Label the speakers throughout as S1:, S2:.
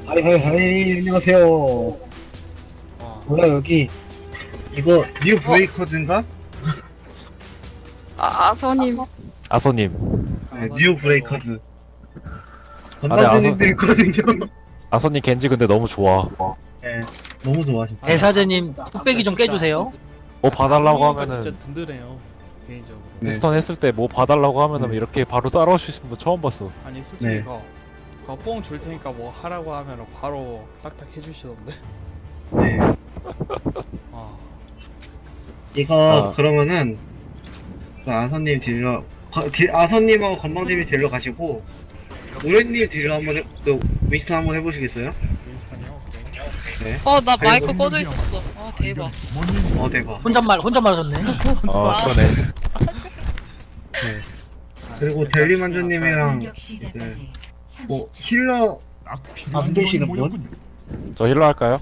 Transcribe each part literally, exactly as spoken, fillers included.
S1: 하이 하이 하이 안녕하세요.
S2: 어.
S1: 뭐야 여기 이거 뉴 브레이커즈인가?
S3: 아, 아서님.
S4: 아소님.
S1: 네, 뉴 브레이커즈.
S4: 네,
S1: 건방진님도 있거든요.
S4: 아소님 겐지 근데 너무 좋아.
S1: 네, 너무 좋아 진짜.
S5: 대사제님 뚝배기 좀 깨주세요.
S4: 뭐 봐달라고
S2: 아, 진짜
S4: 하면은
S2: 든든해요 개인적으로.
S1: 네.
S4: 인스턴 했을 때 뭐 봐달라고 하면은
S1: 네.
S4: 이렇게 바로 따라올 수 있는 분 처음 봤어.
S2: 아니 솔직히
S1: 네.
S2: 그거 그거 뽕 줄 테니까 뭐 하라고 하면 바로 딱딱 해주시던데.
S1: 네.
S2: 아
S1: 이거
S4: 아.
S1: 그러면은 그 아선님 딜러 거- 딜- 아선님하고 건방님이 딜러 가시고 우레님 딜러 한번 해, 그 윈스턴 한번 해보시겠어요?
S2: 윈스턴이요? 오케이.
S1: 네.
S6: 어, 나 마이크
S1: 아이고.
S6: 꺼져 있었어. 아, 대박.
S1: 어 대박.
S5: 혼잣말 혼잣말 하셨네.
S4: 어
S6: 아.
S4: 그러네.
S1: 네. 그리고 델리만주님이랑 이제 뭐 힐러 안 되시는 분?
S4: 저 힐러 할까요?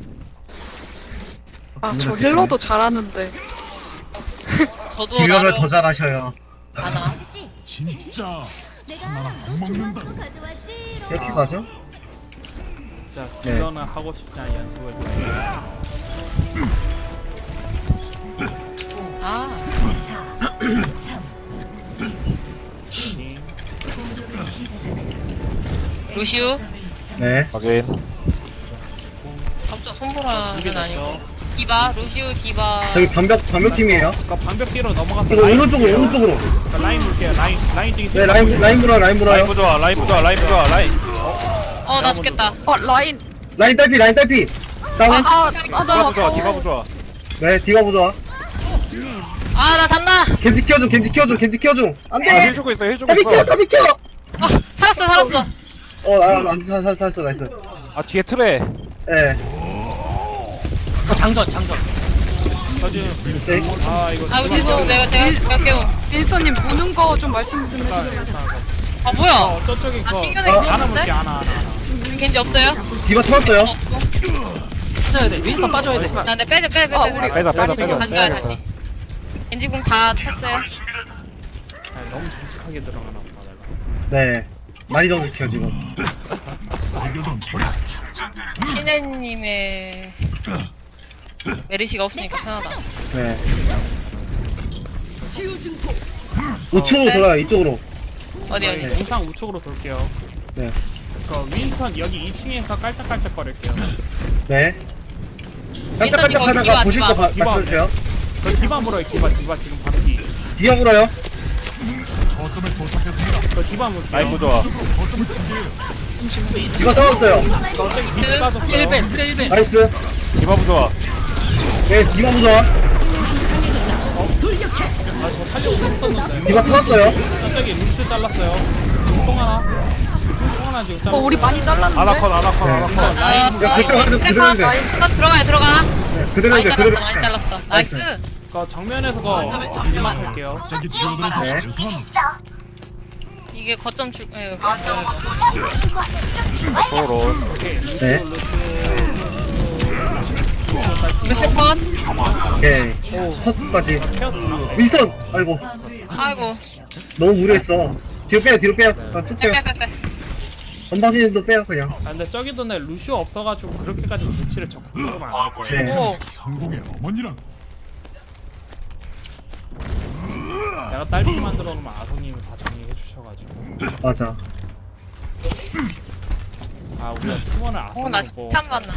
S3: 아, 저 힐러도 잘하는데.
S6: 저도
S1: 딜러를
S6: 나름
S1: 더 잘하셔요.
S6: 하나.
S7: 진짜 하나랑 못 먹는다.
S1: 이렇게 가죠?
S2: 자
S1: 네.
S2: 딜러는 하고 싶지 않은 연습을 좀 해요.
S6: 아, 루시우.
S1: 네.
S4: 확인.
S6: 갑자기 손보라는
S2: 이게
S6: 아니고.
S2: 됐죠.
S6: 디바, 루시우, 디바.
S1: 저기 반벽 반벽팀이에요.
S2: 그니까 방벽 뒤로 넘어가서
S1: 이거
S2: 라인
S1: 오른쪽으로
S2: 볼게요.
S1: 오른쪽으로.
S2: 그러니까 라인 볼게요. 라인 라인 중에
S1: 네 라인 라인 불어 라인 불어요.
S4: 라이브 좋아, 라이브 좋아, 라이브 좋아, 라인.
S6: 어, 나 죽겠다.
S3: 어, 라인.
S1: 라인 딸피 라인 딸피. 다운.
S3: 아, 아, 나,
S4: 디바브 좋아, 디바브 좋아.
S1: 네 디바 보자.
S6: 아, 나 잔다.
S1: 겐지 키워줘 겐지 키워줘 겐지 키워줘.
S4: 아,
S1: 안돼.
S4: 힐 주고 있어, 힐 주고
S1: 딸피 키워
S4: 있어.
S1: 딸피 키워.
S6: 어, 살았어, 살았어.
S1: 어안살살 살았어 나이스.
S4: 아 뒤에 트레.
S1: 네.
S5: 어, 장전 장전.
S2: 저 지금
S1: 네.
S2: 아 이거
S6: 아, 죄송. 내가, 내가, 내가 깨워.
S3: 윈서님 무는 거 좀 말씀 좀
S2: 일단,
S3: 해주세요.
S2: 일단,
S6: 아, 뭐야.
S2: 어 저쪽에
S6: 나
S2: 거
S6: 튕겨내
S1: 어,
S2: 하나
S6: 있었는데?
S2: 볼게 하나 하나 하나.
S6: 겐지 없어요?
S1: 디바 터졌어요.
S6: 없고.
S5: 빠져야 돼. 윈스턴 빠져야 돼.
S6: 나, 내 빼자, 빼자, 빼자.
S3: 아,
S6: 빼자.
S3: 우리-
S4: 빼자, 빼자,
S6: 다시
S4: 빼자.
S6: 다시 가요, 다시. 겐지 궁 다 찼어요.
S2: 아, 너무 정직하게 들어가나 보다 내가.
S1: 네. 많이 정직해요 지금.
S6: 신혜님의 메리시가 없으니까 편하다.
S1: 네. 우측으로 돌아요 이쪽으로.
S6: 어디, 어디.
S2: 영상 우측으로 돌게요.
S1: 네.
S2: 그 윈스턴 여기 이 층에서 깔짝깔짝 거릴게요.
S1: 네.
S6: 윈스턴
S1: 깜짝깜짝
S6: 이거
S1: 하다가
S6: 디바,
S1: 보실 거
S6: 디바.
S1: 봐-
S2: 디바.
S1: 말씀해주세요.
S2: 저 디바 물어요. 디바 디바 지금 바로 뒤.
S1: 디바 불어요.
S7: 거점에 도착했습니다.
S2: 저 디바 물게요.
S4: 라이브 좋아.
S1: 디바 떨어졌어요.
S2: 갑자기 밑에 빠졌어요.
S5: 일 벤 트레 일 벤.
S1: 나이스.
S4: 디바브 좋아.
S1: 네 디바 부좋아.
S2: 아저 살려고 했었는데.
S1: 디바 터졌어요.
S2: 갑자기 루시 잘랐어요. 통 하나. 통 하나 지금
S3: 어,
S2: 잘랐어.
S3: 우리 많이 잘랐는데.
S4: 아나컷, 아나컷,
S1: 네.
S4: 아나컷.
S6: 아,
S1: 야, 그때 완전
S6: 트래커
S1: 그대로인데.
S6: 잠깐 들어가요, 들어가.
S1: 네, 그대로
S6: 많이
S1: 이제
S6: 잘랐어,
S1: 그대로.
S6: 많이 잘랐어. 나이스.
S2: 그 정면에서 거 마지막 할게요.
S7: 저기 뛰어들어서
S1: 네.
S7: 죄송합니다.
S6: 이게 거점 줄, 예,
S4: 서로.
S1: 네.
S6: 루시 컷.
S1: 오케이. 첫까지. 윈스턴. 아이고.
S6: 아이고.
S1: 너무 무리했어. 뒤로 빼요 뒤로 빼요. 아, 쭉 빼요.
S6: 빼빼빼빼.
S1: 건방진님도 빼요 그냥.
S2: 아 근데 저기 전에 루시오 없어가지고 그렇게까지 눈치를 적극적으로 안할 거예요.
S1: 네.
S6: 오.
S7: 성공의 어머니랑
S2: 내가 딸피 만들어 놓으면 아소님이 다 정리해 주셔가지고.
S1: 맞아.
S2: 아 우리가 팀원을
S6: 어,
S2: 아소님
S6: 나 칭찬 받나.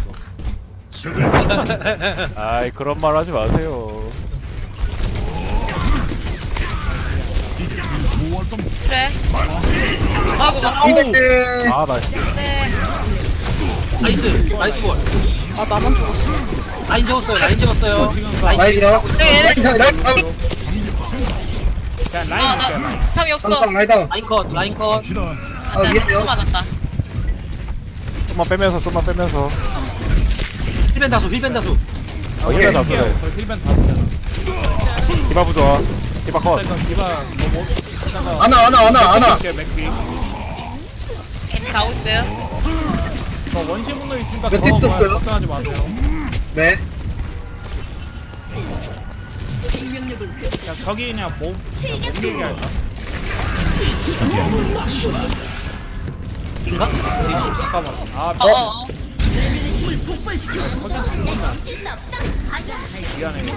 S4: 아이 그런 말 하지 마세요.
S6: 그래. 아이고, 막.
S1: 이백대.
S4: 아 나.
S6: 네.
S5: 나이스 나이스 볼.
S3: 아, 나만 죽었어.
S5: 라인 재웠어요. 라인 재웠어요.
S2: 지금
S5: 라인
S1: 라이디요.
S6: 네,
S1: 라인 자- 라인 다운.
S2: 그냥
S6: 아,
S2: 라인 볼게요.
S6: 나 탐이 없어.
S1: 다운 라인 다운.
S5: 라인 컷 라인 컷.
S7: 갑시다.
S1: 아,
S6: 안 돼,
S1: 미안해요.
S6: 또 맞았다.
S4: 좀만 빼면서, 좀만 빼면서.
S5: 힐 벤 다수 힐 벤 다수.
S4: 어, 힐러 다
S2: 볼게요.
S4: 그래.
S2: 저 힐벤 다 쓰잖아.
S4: 디바브 좋아. 디바 컷.
S2: 일단 디바 뭐뭐 일단은
S1: 아나 아나 아나 아나.
S2: 맥비.
S6: 겐지 가고 있어요.
S2: 저 원시 분노 있으니까
S1: 몇
S2: 더
S1: 팁스 없어요?
S2: 걱정하지 마세요.
S1: 네.
S2: 야 저기 그냥 몸 그냥 몸 얘기할까?
S5: 인가?
S2: 잠깐만. 아,
S6: 어, 어, 어.
S2: 미안해.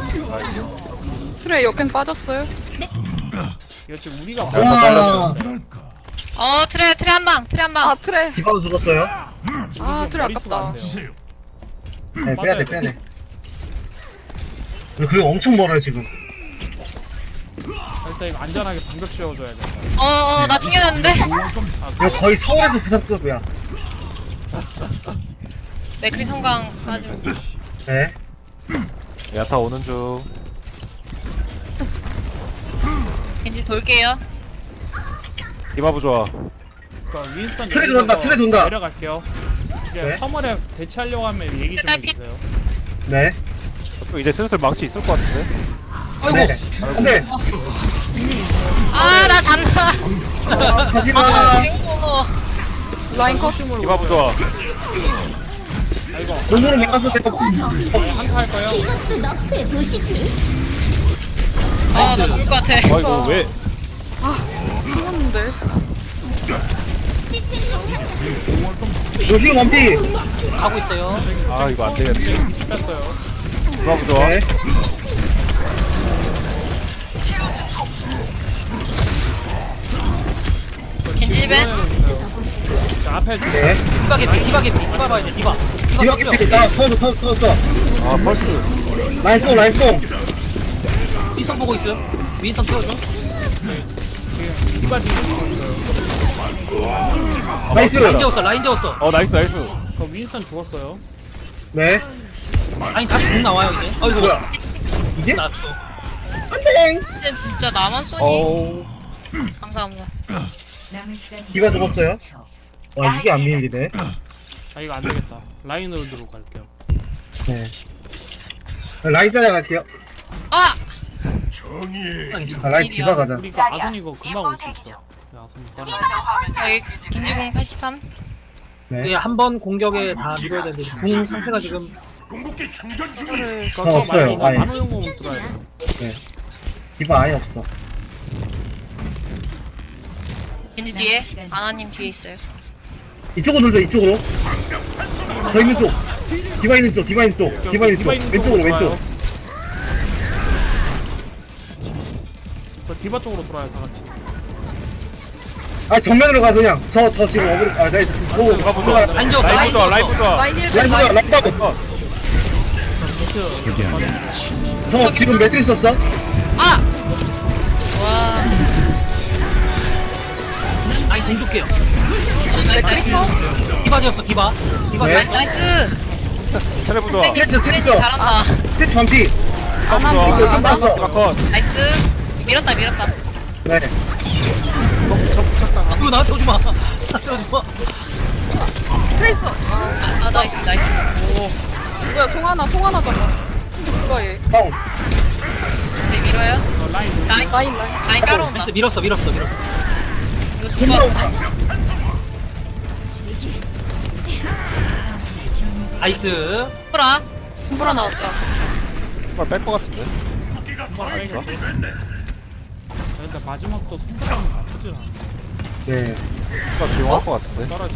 S3: 트레 역행 빠졌어요?
S2: 이거 지금 우리가
S4: 야, 다 잘랐어.
S7: 뭐랄까.
S6: 어, 트레, 트레 한 방, 트레 한 방.
S3: 아 트레.
S1: 디바도 죽었어요.
S3: 아 트레
S2: 머릿수가 안
S3: 아깝다.
S2: 돼요.
S7: 지세요.
S1: 네, 빼야돼, 빼야돼. 그리고 엄청 멀어요, 지금.
S2: 일단 이거 안전하게 방벽 씌워줘야 된다.
S6: 어, 어, 나 튕겨냈는데?
S1: 이거 거의 서울에서 부산급이야.
S6: 맥크리 성강 빠지면.
S1: 네.
S4: 야타 오는 중.
S6: 겐지 돌게요.
S4: 디바 부좋아.
S2: 그러니까 윈스턴
S1: 트레
S2: 여기서
S1: 돈다, 트레 돈다.
S2: 내려갈게요. 이제
S1: 네.
S2: 화물에 대체하려고 하면 얘기 좀
S6: 딸피.
S2: 해주세요.
S1: 네.
S4: 저쪽 이제 슬슬 망치 있을 것 같은데.
S5: 아이고.
S1: 네. 안 돼.
S6: 아, 나 잔다.
S1: 가지마.
S6: 아, 갱고.
S3: 라인 컷.
S4: 디바 부좋아.
S2: 아이고,
S1: 공으로 막았을 때
S2: 한타 할 거예요.
S6: 아, 나 죽을 것 같아.
S4: 아 이거 왜?
S3: 숨었는데.
S1: 요즘 원피.
S5: 가고 있어요.
S4: 아 이거 안 되겠네.
S2: 뺐어요.
S4: 디바 부좋아.
S1: 네.
S6: 겐지 집에.
S2: 자, 앞에 지금
S1: 네.
S5: 디바 개피, 디바 개피, 디바 봐야 돼, 디바. 디바
S1: 디바
S5: 겹쳐.
S1: 캐피. 나 터졌어, 터졌어, 터졌어.
S4: 아 펄스.
S1: 라인 송, 라인 송.
S5: 윈선 보고 있어요. 윈선 키워줘.
S2: 디바 지금
S1: 나이스.
S5: 라인 재웠어, 라인 재웠어.
S4: 어 나이스 나이스.
S2: 그 윈스턴 죽었어요.
S1: 네.
S5: 아니 다시 공 나와요 이제. 아이고.
S1: 뭐야? 이게?
S5: 나왔어.
S1: 안돼.
S6: 진짜, 진짜 나만 쏘니?
S4: 어우.
S6: 감사합니다.
S1: 디바 죽었어요. 와, 이게 안 밀리네.
S2: 아, 이거 안 되겠다. 라인으로 들고 갈게요.
S1: 네. 라인 따라갈게요.
S6: 아!
S1: 아, 라인 디바 가자.
S2: 우리 이거 아선 이거 금방 올 수 있어. 야, 아선 빨리.
S6: 여기 겐지공 팔십삼.
S1: 네.
S5: 한 번 공격에 다 밀어야 되는데 궁 상태가 지금
S7: 궁극기 충전 중.
S2: 그거
S1: 저 없어요,
S2: 말고
S1: 아예.
S2: 만호용공 들어야 돼.
S1: 디바 아예 없어.
S6: 겐지 뒤에. 아나님 뒤에 있어요.
S1: 이쪽으로 돌죠, 이쪽으로. 저 있는 쪽. 디바 있는 쪽, 디바 있는 쪽. 디바 있는 쪽. 왼쪽으로, 왼쪽.
S2: 그 디바 쪽으로 돌아요, 다 같이.
S1: 아, 정면으로 가, 그냥. 저, 저 지금 어그로, 아, 나 지금 보고.
S4: 디바 부좋아.
S5: 라인 재웠어,
S4: 라인
S5: 라인
S4: 부좋아. 라인
S5: 재웠어.
S4: 부좋아.
S3: 라인 일
S1: 라인 보자,
S3: 라인.
S1: 라인 봐도. 저 지금 매트리스 없어?
S6: 아! 와.
S5: 아니 공 줄게요.
S6: 나이스, 나이스.
S5: 디바 재웠어, 디바. 디바
S1: 네.
S5: 재웠어.
S6: 나이스.
S4: 트레 부좋아.
S6: 겐지,
S1: 트레스,
S6: 겐지
S1: 트레스.
S6: 잘한다.
S1: 스테치 반피.
S4: 디바
S3: 아나
S4: 부좋아.
S1: 이거
S3: 아나.
S1: 끝났어.
S4: 디바 컷.
S6: 나이스. 밀었다, 밀었다.
S1: 네.
S5: 이거 나한테 오지 마. 나한테 오지 마.
S3: 트레 있어.
S6: 아, 아, 나이스, 나이스. 오.
S3: 뭐야 송하나 송하나잖아. 누가 얘?
S1: 다운.
S6: 네, 밀어요.
S2: 어, 라인.
S6: 라인,
S3: 라인 라인.
S6: 라인 깔아온다.
S5: 나이스, 밀었어, 밀었어, 밀었어.
S6: 이거 죽을 것 같은데?
S5: 나이스.
S6: 풀어. 풀어 나왔다.
S4: 정말 뺄것 같은데.
S2: 알겠어. 일단 마지막도 손가락이 아프질 않아.
S1: 네.
S4: 정말 비용할 것 같은데.
S2: 떨어지.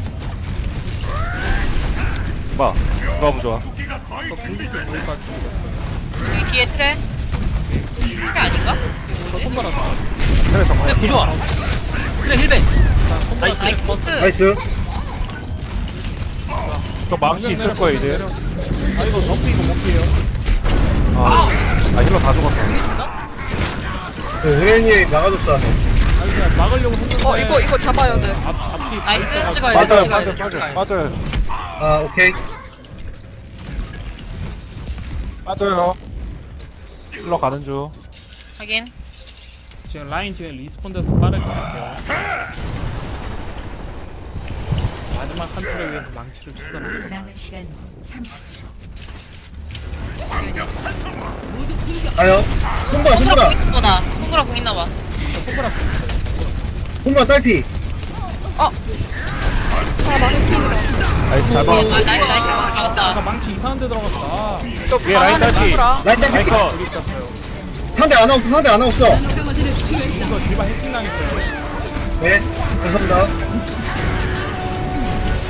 S4: 디바. 디바 부좋아.
S2: 또 굴릴 때 거기까지.
S6: 여기 뒤에 트레. 트레 아닌가? 이거 뭐지?
S2: 손가락.
S4: 트레
S5: 그래,
S4: 정말.
S5: 구조아. 그래, 힐벤. 나이스.
S6: 나이스 버트.
S1: 나이스.
S4: 저 망치 있을 거야 이제.
S2: 아, 이거 덮고 이거 못 피해요.
S4: 아, 아 힐러 다 죽었다.
S1: 은혜님 나가줬다.
S2: 아니, 그냥 막으려고 했는데.
S3: 어 이거 이거 잡아야 돼.
S2: 앞, 앞뒤.
S6: 나이스.
S5: 찍어야 돼,
S1: 맞아요,
S5: 찍어야
S4: 빠져
S5: 돼,
S4: 빠져
S5: 찍어야 돼.
S4: 빠져요.
S1: 아, 오케이.
S4: 빠져요. 힐러 가는 중.
S6: 확인.
S2: 지금 라인 지금 리스폰 돼서 빠르게 갈게요. 마지막 한 툴에 위해서 망치를 쳤잖아.
S8: 남은 시간 삼십 초.
S1: 가요. 손보라,
S6: 손가락
S1: 손보라.
S6: 공 있나보다. 손가락 공 있나봐.
S1: 손보라 딸피.
S4: 나이스 잘 봐.
S6: 아, 나이스, 나이스. 막
S2: 아까
S6: 잡았다.
S2: 망치 이상한 데 들어갔다.
S3: 저
S4: 위에 라인
S3: 강한데
S4: 딸피.
S3: 누구라?
S1: 라인 딸피.
S4: 라인 컷.
S2: 여기 있었어요.
S1: 상대 안 없어, 상대 안 없어.
S2: 이거 디바 해킹 당했어요.
S1: 네. 감사합니다.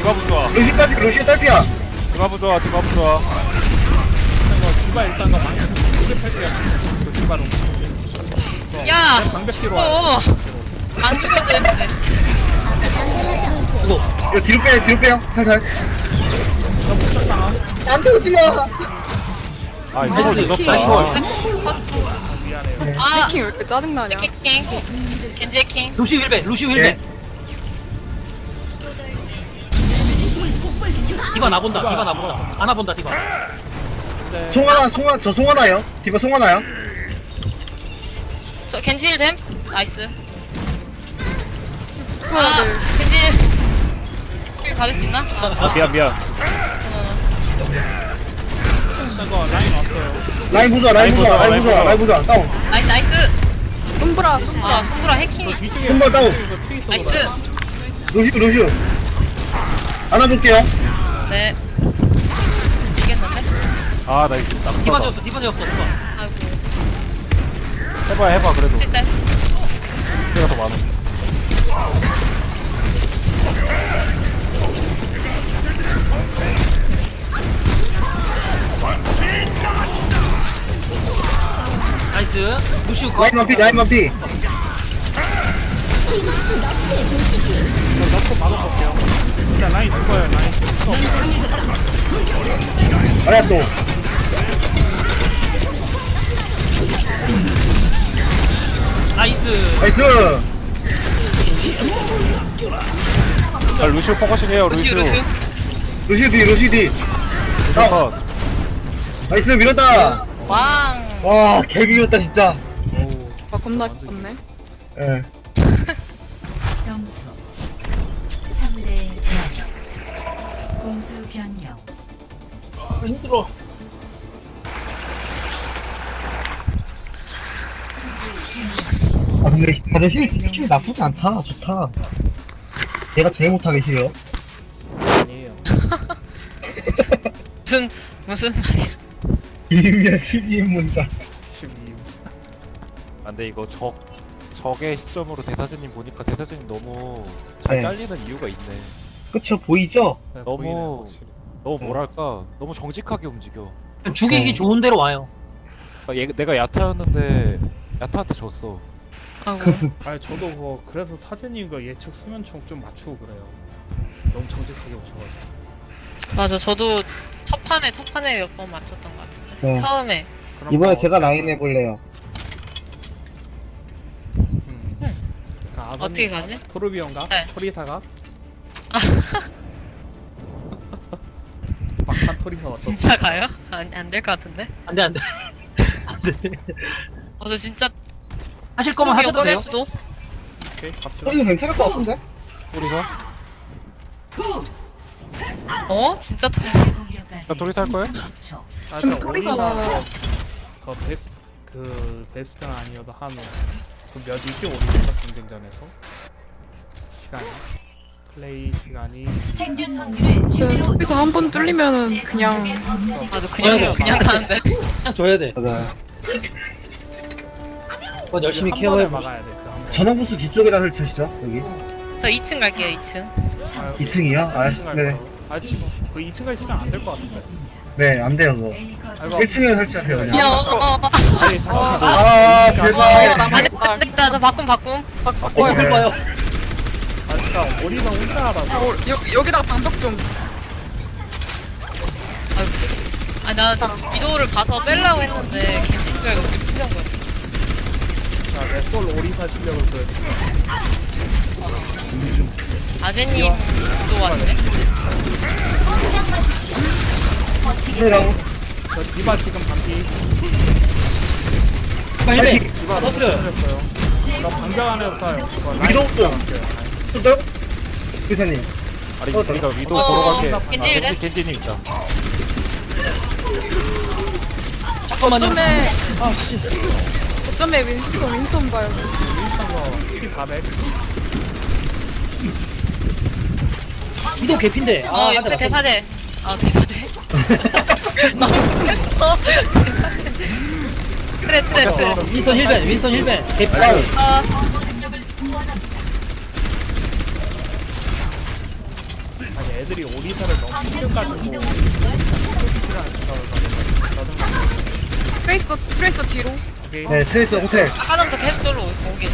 S4: 디바부 좋아.
S1: 루시 딸피 루시 딸피야.
S4: 디바부 좋아. 디바부 좋아.
S2: 이거 디바 일단 거 방금 두개 펼게요. 그 디바로.
S6: 야!
S2: 방벽 뒤로
S6: 어,
S2: 와요.
S6: 안 죽어도 되는데.
S5: 이거
S1: 이거 뒤로 빼 뒤로 빼요. 살살.
S2: 저 목적 상황.
S1: 안 오지 마.
S4: 아 이거 늦었다.
S2: 미안해요.
S6: 아!
S3: 킹 왜 이렇게 짜증나냐?
S6: 킹. 겐지 킹.
S5: 루시 힐벤 루시 힐벤.
S1: 네.
S5: 디바 나 본다. 디바 나 본다. 안아 본다 디바.
S2: 근데
S1: 송하나 송하 저 송하나요? 디바 송하나요?
S6: 저 겐지 힐됨? 나이스.
S3: 풀어야
S6: 아!
S3: 돼.
S6: 겐지 힐 받을 수 있나? 아,
S4: 아 미안 미안.
S2: 일단 거 라인 왔어요.
S1: 라인 부자 라인 부자 라인 부자 라인 부자 다운.
S6: 나이스 나이스.
S3: 손브라
S6: 아, 손보라 해킹이.
S2: 뒤쪽에
S1: 손발 다운.
S2: 이거 트위스
S6: 나이스.
S1: 루시 루시. 안아볼게요.
S6: 네. 이겼는데?
S4: 아 나이스.
S5: 디바
S4: 낙서다.
S5: 지었어. 디바 지었어. 디바.
S6: 아이고.
S4: 해봐 해봐 그래도.
S6: 실세.
S4: 내가 더 많아.
S5: 나이스. 루시 거.
S1: 라인 만피 라인 만피.
S2: 넣고 막아볼게요. 일단 라인 죽어요. 라인 죽어.
S1: 아야 또.
S5: 나이스.
S1: 나이스.
S4: 자 루시오 포커싱 해요
S6: 루시우
S4: 루시오.
S6: 루시우.
S1: 루시 뒤 루시 뒤.
S4: 루시오 컷.
S1: 나이스 밀었다.
S6: 왕.
S1: 와 개비였다 진짜.
S3: 아 겁나 기뻤네.
S1: 예.
S8: 점수 삼 대 영. 공수 변경.
S5: 힘들어.
S1: 아 근데 다들 힐, 힐 나쁘지 않다. 좋다. 내가 제일 못하게 힐이요.
S2: 아니에요.
S6: 무슨 무슨 말이야.
S1: 이미야 십이인 문자.
S2: 십이.
S4: 안돼 이거 적 적의 시점으로 대사진님 보니까 대사진님 너무 잘
S1: 네.
S4: 잘리는 이유가 있네.
S1: 그쵸 보이죠?
S2: 네,
S4: 너무-
S2: 보이네요, 확실히.
S4: 너무 뭐랄까 너무 정직하게 움직여.
S5: 죽이기
S1: 어.
S5: 좋은 대로 와요.
S4: 아, 얘, 내가 야타였는데 야타한테 졌어.
S6: 아이고.
S2: 아니 저도 뭐 그래서 사제님과 예측 수면총 좀 맞추고 그래요. 너무 정직하게 오셔가지고.
S6: 맞아. 저도 첫 판에 첫 판에 몇 번 맞췄던 것 같은데.
S1: 네.
S6: 처음에.
S2: 그럼
S1: 이번에
S2: 뭐
S1: 제가
S2: 어때요?
S1: 라인 해볼래요.
S2: 음. 자, 아버님,
S6: 어떻게 가지?
S2: 토르비온가?
S6: 네.
S2: 토리사가? 막판 토리사 어떠?
S6: 진짜 가요? 안 될 것 같은데.
S5: 안돼 안돼. 안돼.
S6: 어, 저 진짜
S5: 하실 거면 하셔도
S6: 꺼낼
S5: 돼요.
S6: 수도.
S2: 오케이, 갑시다.
S1: 소리는 괜찮을 것 같은데?
S4: 토리사?
S6: 어? 진짜 토.
S8: 공격까지
S4: 나 토리사 할 거야?
S8: 십 초.
S2: 아,
S3: 근데
S2: 저
S3: 토리사가-
S2: 오리사 그 베스 그 베스트는 아니어도 한그몇 이지 오리사 경쟁전에서 시간이 플레이 시간이
S8: 생존 확률을
S3: 그 여기서 한 번 뚫리면은 그냥
S6: 맞아. 그냥 그냥 가는데.
S5: 그냥 줘야 돼.
S1: 맞아.
S5: 그건 열심히
S2: 한 번에
S5: 케어해 보시.
S2: 막아야 돼. 그한 번.
S1: 전원부스 뒤쪽에다 설치하시죠 여기.
S6: 저 이 층 갈게요. 이 층.
S2: 아유,
S1: 이 층이요? 아,
S2: 이 층 갈
S1: 네.
S2: 거라고. 아 지금 그 이 층 갈 시간 안 될 것 같은데.
S1: 네, 안 돼요 그거.
S2: 아이고.
S1: 일 층에 설치하세요 그냥.
S6: 야, 어, 어, 어.
S2: 아니 잠깐만.
S1: 아
S6: 어,
S1: 제발.
S6: 안 됐다. 안 됐다. 저 바꿈 바꿈.
S5: 어떻게 봐요?
S2: 아 진짜 오리사 혼자 하라고.
S3: 어, 여, 여기다가 방벽 좀.
S6: 아이고. 아, 나 위도우를 가서 빼려고 했는데 갱신 줄 알고 지금 풀린 거였어.
S2: 자, 내솔 오리사 실력을 보여드릴게요.
S6: 아재님도 왔네.
S1: 이라고.
S2: 저 디바 지금 반피.
S5: 디바 힐벤.
S2: 디바
S5: 터뜨려요.
S2: 터뜨렸어요. 저 방벽 안에서 쏴요. 그거 라인
S1: 위도우 좀.
S2: 쏴요.
S1: 또 기사님.
S4: 아니
S1: 어,
S4: 우리가 위도
S6: 어,
S4: 보러 갈게.
S6: 겐지
S4: 겐지 겐지님 있다.
S5: 잠깐만요.
S3: 어쩌면
S5: 아씨.
S3: 어쩌면 윈스턴 윈스턴 봐요.
S2: 윈스턴 거 피 사백.
S5: 위도 개핀데.
S6: 어,
S5: 아,
S6: 옆에
S5: 맞다,
S6: 대사대. 아, 대사대. 너무 했어. 트레, 트레, 트레.
S5: 맞다. 윈스턴 힐벤. 윈스턴 힐벤. 개핀.
S6: 어,
S2: 아니 애들 애들이 오리사를 너무 챙겨가지고 오리사 생각을 가지고
S3: 트레이서 트레이서 뒤로.
S2: 오케이.
S1: 네, 트레이스 호텔.
S6: 아까부터 계속 돌로 오게.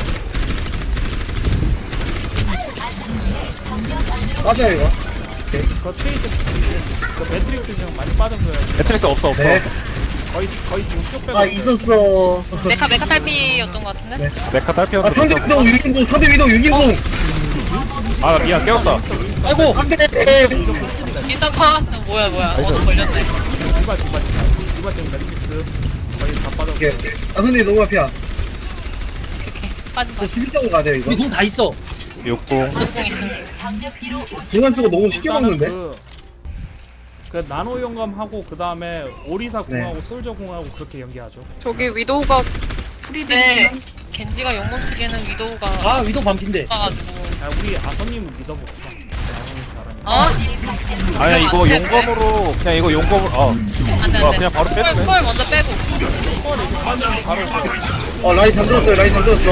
S1: 맞아요, 이거.
S2: 그 트레이드 그 매트릭스 지금 많이 빠진 거예요.
S4: 매트릭스 없어 없어.
S1: 네.
S2: 거의 거의 지금 쭉 빼고
S1: 아,
S2: 있어요.
S1: 있었어.
S6: 메카 메카 탈피였던 것 같은데?
S1: 네.
S4: 메카 딸피언.
S1: 아, 상대 위도 유인공, 상대 위도 유인공.
S4: 아 미안 깨웠다.
S5: 아이고
S1: 안 돼.
S6: 인스턴 컷! 뭐야 뭐야 어도 걸렸네.
S2: 디바 디바 디바 디바 지금 매트릭스 거의 다
S1: 오케이.
S2: 빠졌어요.
S1: 아, 선생님 너무 앞이야.
S6: 오케이 빠진
S1: 저
S6: 빠진.
S1: 십일 점으로 가야 돼요, 이거.
S5: 우리 공 다 있어.
S4: 육공.
S6: 노드공 있음.
S1: 중간 쓰고 너무 쉽게
S2: 일단은
S1: 먹는데?
S2: 그, 그 나노 용감하고 그 다음에 오리사
S1: 네.
S2: 궁하고 솔저 궁하고 그렇게 연기하죠.
S3: 저기 위도우가
S6: 네.
S3: 프리딜.
S6: 겐지가 용검 쓰기에는 위도우가
S5: 아 위도 반핀데.
S6: 가지고
S2: 아 우리 아서님을 믿어봅시다. 나노 잘하니까.
S6: 어?
S4: 아니야 이거 용검으로 그냥 이거 용검으로 어.
S6: 안돼
S4: 아,
S6: 안돼.
S4: 그냥 바로 빼도 돼.
S6: 펄 먼저 빼고.
S2: 펄 이거 빠지면 바로
S1: 어, 라인 잠들었어요, 라인 잠들었어.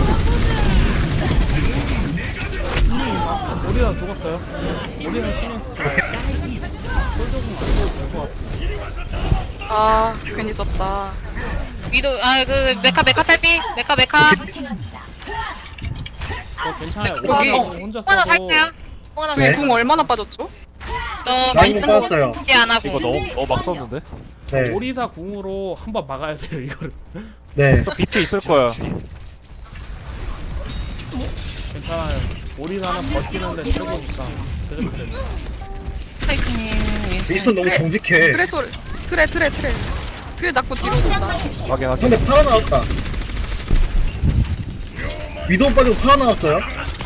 S2: 오리사 죽었어요. 오리사 신경 쓰지 말고. 솔저 궁 쓰고 될것 같아.
S3: 아 괜히 썼다.
S6: 위도우 아그 메카 메카 탈피 메카 메카.
S2: 저 괜찮아요.
S6: 여기
S2: 오리사 궁 혼자
S6: 뽕 하나
S2: 써도
S6: 살게요. 뽕 하나
S1: 네.
S6: 살게요.
S3: 궁 얼마나 빠졌죠?
S6: 저
S1: 라인은
S6: 겐지
S1: 빠졌어요.
S6: 안 하고.
S4: 이거 너무 너무 막 썼는데.
S1: 네.
S2: 오리사 궁으로 한번 막아야 돼요 이거를.
S1: 네.
S4: 저 비트 있을 거야.
S2: 괜찮아요. 오리사는 버티는데 최고니까 제대로
S6: 스파이크님
S1: 윈스턴
S6: 윈스턴.
S1: 너무 정직해.
S3: 트레 소리. 트레 트레 트레. 트레 자꾸 뒤로 돈다.
S4: 확인 확인.
S1: 근데 팔아 나왔다. 위도우 빠지고 팔아 나왔어요.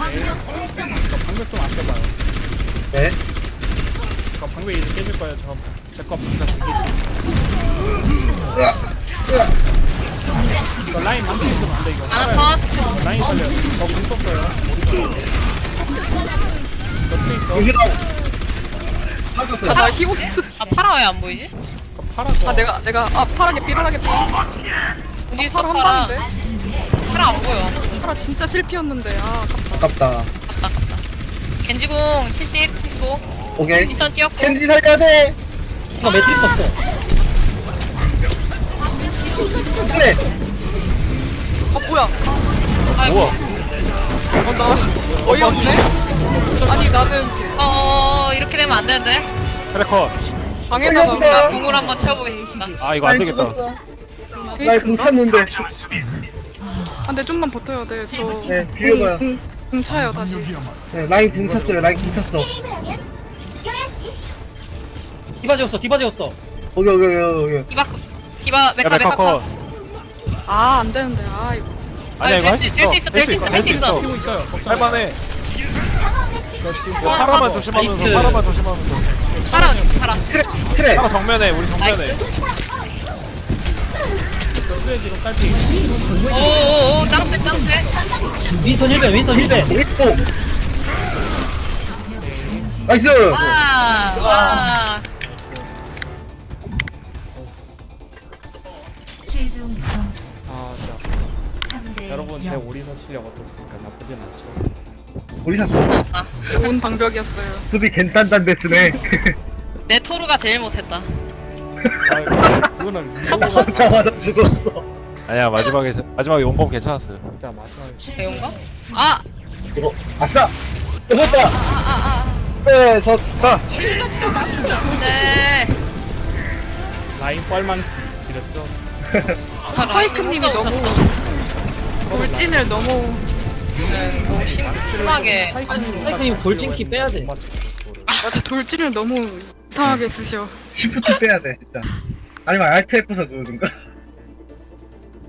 S2: 방벽 좀 아껴봐요.
S1: 네.
S2: 저 방벽 이제 깨질 거예요. 저제거 방벽 두개
S1: 으악. 으악.
S2: 이거 라인 망치면 안돼 이거.
S6: 하나 컷.
S2: 라인 살려요. 저궁 썼어요. 저 트레이서.
S1: 유시다운.
S3: 아,
S1: 팔았어요.
S3: 나 히오스.
S6: 아 파라 왜 안 보이지?
S2: 파라 거.
S3: 아 내가 내가 아 파랗게 삐라하게 삐.
S6: 어디 있어
S3: 파라
S6: 파라?
S3: 한다는데.
S6: 파라 안 보여.
S3: 파라 진짜 실패였는데. 아 아깝다.
S1: 아깝다.
S6: 갔다 갔다. 겐지궁 칠십, 칠십오.
S1: 오케이.
S6: 인스턴 뛰었고.
S1: 켄지 살려야 돼.
S5: 나 매트릭스 없어.
S1: 그래.
S3: 아 뭐야?
S6: 아이고.
S3: 어나 어이없네. 아니 나는
S6: 어 이렇게 되면 안 되는데.
S4: 트래커.
S3: 방에다가
S6: 나 궁을 한번 채워보겠습니다.
S4: 아 이거 안
S1: 라인
S4: 되겠다.
S1: 죽었어. 라인 공 찼는데.
S3: 아, 근데 좀만 버텨야 돼. 저
S1: 네, 비벼봐요.
S3: 궁 차요 다시.
S1: 네, 라인 궁 찼어요. 라인 궁 찼어.
S5: 디바 재웠어. 디바 재웠어.
S1: 오케이, 오케이, 오케이, 오케이.
S6: 디바 디바
S4: 야
S6: 메카
S4: 메카
S6: 메카
S4: 컷.
S6: 컷.
S3: 아 안 되는데. 아 이거.
S4: 아니야 이거 할 수
S6: 될 수
S4: 있어.
S6: 있어, 될 수 있어, 할 수 있어.
S2: 뛰고 있어요. 걱정 마.
S4: 할만해.
S2: 저 지금
S4: 이거 파라만 조심하면서
S5: 나이스.
S4: 파라만 조심하면서.
S6: 파라 어디 있어 파라.
S1: 트레, 트레.
S4: 파라 정면에 우리 정면에.
S6: 나이스.
S2: 저수에 지금 깔피.
S6: 오오오 짱쎄 짱쎄.
S5: 윈스턴 힐벤. 윈스턴 힐벤.
S1: 오겠고. 나이스.
S6: 와. 와.
S8: 최종 점수
S2: 아 진짜.
S8: 삼 대
S2: 여러분 제
S8: 영.
S2: 오리사 실력 어떻습니까? 나쁘진 않죠.
S1: 우리사 수,
S6: 아,
S3: 좋은 방벽이었어요.
S1: 수비 겐딴딴 데스네.
S6: 내 토르가 제일 못했다.
S2: 아 그거는
S6: 첫
S2: 위도우가
S1: 잡자마자 죽었어.
S4: 아니야 마지막에 마지막에 용검 괜찮았어요.
S2: 진짜 마지막에
S6: 배운가? 아.
S1: 이거, 아싸! 이겼다!
S6: 아아아.
S1: 네, 졌다!
S6: 네.
S2: 라인 뻘만 길었죠.
S3: 스파이크님이 너무 돌진을 너무
S6: 너무 심, 심하게.
S5: 스파이크님 돌진키 빼야 돼.
S3: 맞아 돌진을 너무 이상하게 쓰셔.
S1: 쉬프트 빼야 돼, 진짜. 아니면 알트 F서 누르든가.